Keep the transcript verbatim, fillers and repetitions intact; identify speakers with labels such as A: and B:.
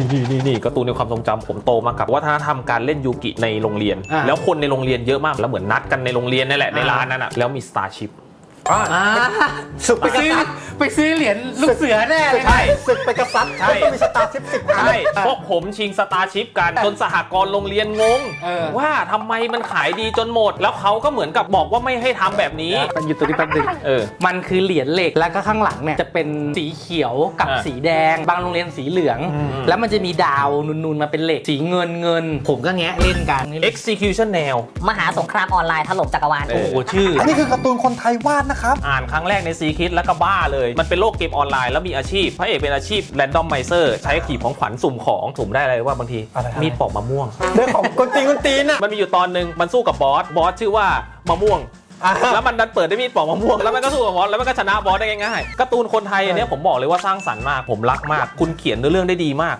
A: นี่นี่นี่การ์ตูนในความทรงจำผมโตมากับวัฒนธรรมการเล่นยูกิในโรงเรียนแล้วคนในโรงเรียนเยอะมากแล้วเหมือนนัดกันในโรงเรียนนี่แหละในร้านนั้นอ่ะแล้วมี Starship
B: ศึกไป
C: ไป
B: ก
C: ซื้อ
B: ษัตริย์
C: ไปซื้อเหรียญลูกเสือแน่เลย
A: ใช่
B: ศึกไปกษัตริย์
A: ใช่
B: ต้องมีสตาร์ชิปสิบอัน
A: ใช่พวกผมชิง Starship กันจนสหกรณ์โรงเรียนงงว่าทำไมมันขายดีจนหมดแล้วเขาก็เหมือนกับบอกว่าไม่ให้ทำแบบนี้
C: มันอยู่ตัวนี้แป๊บนึง
A: เออ
C: มันคือเหรียญเหล็กแล้วก็ข้างหลังเนี่ยจะเป็นสีเขียวกับ
A: อ่า
C: สีแดงบางโรงเรียนสีเหลือง
A: อืม
C: แล้วมันจะมีดาวนูนๆมาเป็นเหล็กสีเงินเงินผมก็แงะเล่นกัน
A: Execution Nail
D: มหาสงครามออนไลน์ถล่มจักรวาล
A: เอ
C: โอ้โหชื่อ
B: อันนี้คือการ์ตูนคนไทยวาดนะครับ
A: อ่านครั้งแรกในซีคิดแล้วก็บ้าเลยมันเป็นโลกเกมออนไลน์แล้วมีอาชีพพระเอกเป็นอาชีพ Randomizer ใช้ขีบของขวัญสุ่มของสุ่มได้อะไรว่าบางที
B: อะไรอะไร
A: มีดปอกมะม่วง
B: เรื่องของคนตีนคนตีนอ่ะ
A: มันมีอยู่ตอนหนึ่งมันสู้กับบอสบอสชื่อว่ามะม่วง
B: อ่า
A: แล้วมันดันเปิดด้วยมีดปอกมะม่วงแล้วมันก็สู้กับบอสแล้วมันก็ชนะบอสได้ง่ายๆการ์ตูนคนไทยอันเนี้ยผมบอกเลยว่าสร้างสรรค์มากผมรักมากคุณเขียนเนื้อเรื่องได้ดีมาก